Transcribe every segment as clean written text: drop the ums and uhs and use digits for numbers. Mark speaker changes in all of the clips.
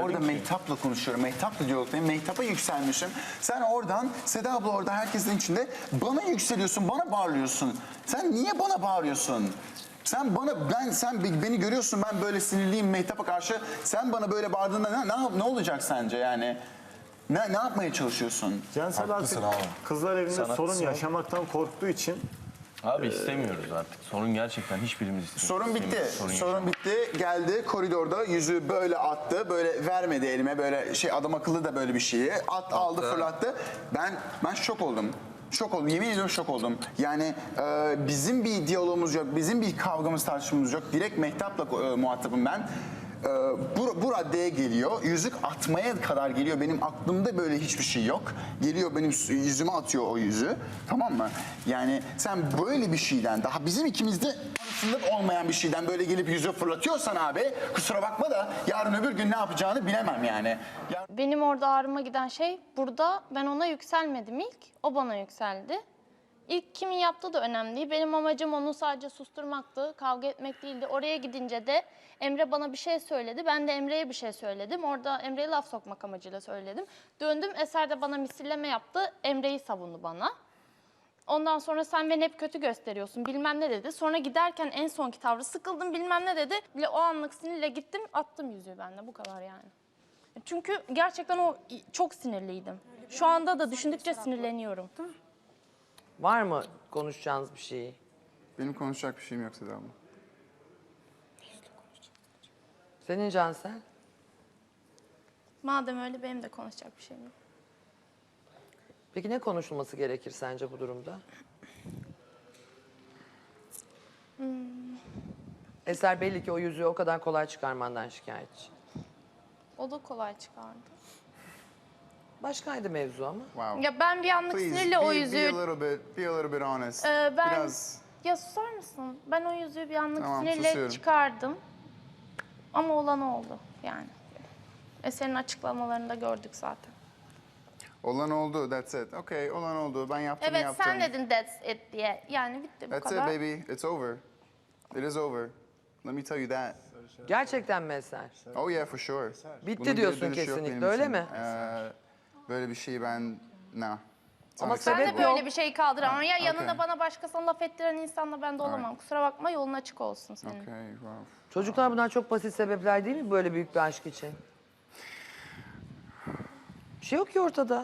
Speaker 1: orada Mehtap'la konuşuyorum. Mehtap'la diyalogdayım. Mehtap'a yükselmişim. Sen oradan, Seda abla orada herkesin içinde bana yükseliyorsun, bana bağırıyorsun. Sen niye bana bağırıyorsun? Sen beni görüyorsun, ben böyle sinirliyim Mehtap'a karşı. Sen bana böyle bağırdığında ne olacak sence yani? Ne yapmaya çalışıyorsun?
Speaker 2: Cansel artık kızlar evinde sorun yaşamaktan korktuğu için
Speaker 3: Abi istemiyoruz artık. Sorun gerçekten hiçbirimiz istemiyoruz.
Speaker 1: Sorun bitti. Sorun
Speaker 3: yaşamak.
Speaker 1: bitti. Geldi koridorda yüzüğü böyle attı. Böyle vermedi elime. Böyle adam akıllı da böyle bir şeyi. Aldı fırlattı. Ben şok oldum. Şok oldum. Yemin ediyorum şok oldum. Yani bizim bir diyalogumuz yok. Bizim bir kavgamız tartışmamız yok. Direkt Mehtap'la muhatabım ben. Bu raddeye geliyor. Yüzük atmaya kadar geliyor. Benim aklımda böyle hiçbir şey yok. Geliyor benim yüzüme atıyor o yüzüğü. Tamam mı? Yani sen böyle bir şeyden, daha bizim ikimizde arasında olmayan bir şeyden böyle gelip yüzüğü fırlatıyorsan abi, kusura bakma da yarın öbür gün ne yapacağını bilemem yani.
Speaker 4: Benim orada ağrıma giden şey, burada ben ona yükselmedim ilk. O bana yükseldi. İlk kimin yaptığı da önemli değil. Benim amacım onu sadece susturmaktı, kavga etmek değildi. Oraya gidince de Emre bana bir şey söyledi. Ben de Emre'ye bir şey söyledim. Orada Emre'ye laf sokmak amacıyla söyledim. Döndüm, Eser de bana misilleme yaptı. Emre'yi savundu bana. Ondan sonra sen beni hep kötü gösteriyorsun bilmem ne dedi. Sonra giderken en sonki tavrı sıkıldım bilmem ne dedi. Bile o anlık sinirle gittim, attım yüzüğü ben de, bu kadar yani. Çünkü gerçekten o çok sinirliydim. Şu anda da düşündükçe sinirleniyorum.
Speaker 5: Var mı konuşacağınız bir şey?
Speaker 1: Benim konuşacak bir şeyim yok Seda abla.
Speaker 5: Senin Cansel?
Speaker 4: Madem öyle benim de konuşacak bir şeyim yok.
Speaker 5: Peki ne konuşulması gerekir sence bu durumda? Eser belli ki o yüzüğü o kadar kolay çıkarmandan şikayetçi.
Speaker 4: O da kolay çıkardı.
Speaker 5: Başkaydı mevzu ama.
Speaker 1: Wow.
Speaker 4: Ya ben bir anlık sinirle o yüzüğü...
Speaker 1: Be a little bit honest.
Speaker 4: Biraz... Ya susar mısın? Ben o yüzüğü bir anlık
Speaker 1: Tamam,
Speaker 4: sinirle
Speaker 1: susuyorum.
Speaker 4: çıkardım. Ama olan oldu yani. Eser'in açıklamalarında gördük zaten.
Speaker 1: Olan oldu, that's it. Okay, olan oldu. Ben yaptım.
Speaker 4: Evet, sen dedin that's it diye. Yani bitti bu
Speaker 1: That's
Speaker 4: kadar.
Speaker 1: it baby, it's over. It is over. Let me tell you that.
Speaker 5: Gerçekten mi Eser?
Speaker 1: Oh yeah, for sure.
Speaker 5: Bitti
Speaker 1: Bunun
Speaker 5: diyorsun
Speaker 1: geri dönüşü yok
Speaker 5: kesinlikle,
Speaker 1: benim
Speaker 5: öyle
Speaker 1: için.
Speaker 5: mi?
Speaker 1: Böyle bir şeyi ben... No.
Speaker 5: Ama
Speaker 4: Ben
Speaker 5: sebep
Speaker 4: de
Speaker 5: yok.
Speaker 4: böyle bir şey kaldıramam. Ya
Speaker 1: Okay.
Speaker 4: yanında bana başkasına laf ettiren insanla ben de olamam. Kusura bakma, yolun açık olsun senin.
Speaker 1: Okay, wow.
Speaker 5: Çocuklar bunlar çok basit sebepler değil mi böyle büyük bir aşk için? Bir şey yok ki ortada.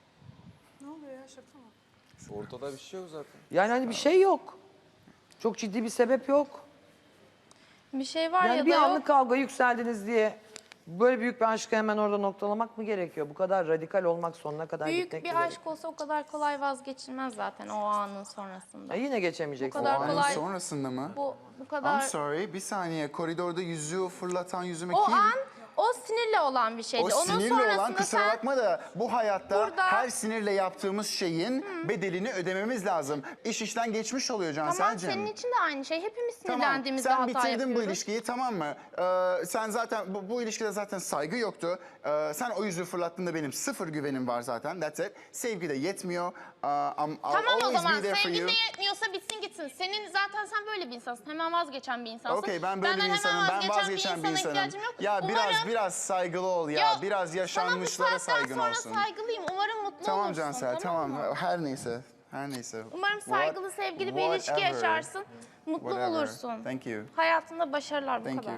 Speaker 3: Ortada bir şey yok zaten.
Speaker 5: Yani hani bir şey yok. Çok ciddi bir sebep yok.
Speaker 4: Bir şey var
Speaker 5: Yani
Speaker 4: ya
Speaker 5: bir
Speaker 4: da
Speaker 5: anlık
Speaker 4: yok.
Speaker 5: kavga yükseldiniz diye böyle büyük bir aşkı hemen orada noktalamak mı gerekiyor? Bu kadar radikal olmak, sonuna kadar
Speaker 4: Büyük
Speaker 5: gitmek mi
Speaker 4: bir
Speaker 5: gerekiyor?
Speaker 4: aşk olsa o kadar kolay vazgeçilmez zaten o anın sonrasında.
Speaker 5: Yine geçemeyeceksin.
Speaker 4: Bu kadar
Speaker 1: Anın
Speaker 4: kolay.
Speaker 1: sonrasında mı?
Speaker 4: Bu kadar...
Speaker 1: I'm sorry, bir saniye. Koridorda yüzüğü fırlatan yüzüme
Speaker 4: O
Speaker 1: kim?
Speaker 4: an o sinirle olan bir şeydi.
Speaker 1: O
Speaker 4: Onun
Speaker 1: sinirle
Speaker 4: sonrasında
Speaker 1: olan, kusura
Speaker 4: sen
Speaker 1: bakma da bu hayatta
Speaker 4: Burada-
Speaker 1: her sinirle yaptığımız şeyin bedelini ödememiz lazım. İş işten geçmiş oluyor
Speaker 4: tamam,
Speaker 1: Cansel'cim.
Speaker 4: senin için de aynı şey. Hepimiz
Speaker 1: Tamam,
Speaker 4: sinirlendiğimizde
Speaker 1: sen
Speaker 4: hata
Speaker 1: bitirdin
Speaker 4: yapıyoruz.
Speaker 1: bu ilişkiyi, tamam mı? Sen zaten bu ilişkide zaten saygı yoktu. Sen o yüzüğü fırlattığında benim sıfır güvenim var zaten. That's it. Sevgi de yetmiyor. I'll
Speaker 4: Tamam o
Speaker 1: always
Speaker 4: zaman
Speaker 1: be there for
Speaker 4: sevgin
Speaker 1: you.
Speaker 4: de yetmiyorsa bitsin gitsin. Senin zaten sen böyle bir insansın. Hemen vazgeçen bir insansın.
Speaker 1: Okey, ben böyle
Speaker 4: Benden
Speaker 1: bir insanım.
Speaker 4: hemen
Speaker 1: Ben vazgeçen bir
Speaker 4: insana
Speaker 1: insanım.
Speaker 4: ihtiyacım yok.
Speaker 1: Ya
Speaker 4: Umarım-
Speaker 1: biraz saygılı ol ya.
Speaker 4: Ya,
Speaker 1: Biraz yaşanmışlara
Speaker 4: sana bu saatten
Speaker 1: saygın
Speaker 4: sonra
Speaker 1: olsun.
Speaker 4: saygılıyım. Umarım mutlu
Speaker 1: Tamam
Speaker 4: olursun.
Speaker 1: Cansel, tamam.
Speaker 4: mı?
Speaker 1: Her neyse. Her neyse.
Speaker 4: Umarım saygılı, sevgili bir ilişki
Speaker 1: Whatever.
Speaker 4: yaşarsın. Mutlu
Speaker 1: Whatever.
Speaker 4: olursun.
Speaker 1: Thank you.
Speaker 4: Hayatında başarılar bu
Speaker 1: Thank
Speaker 4: kadar.
Speaker 1: you.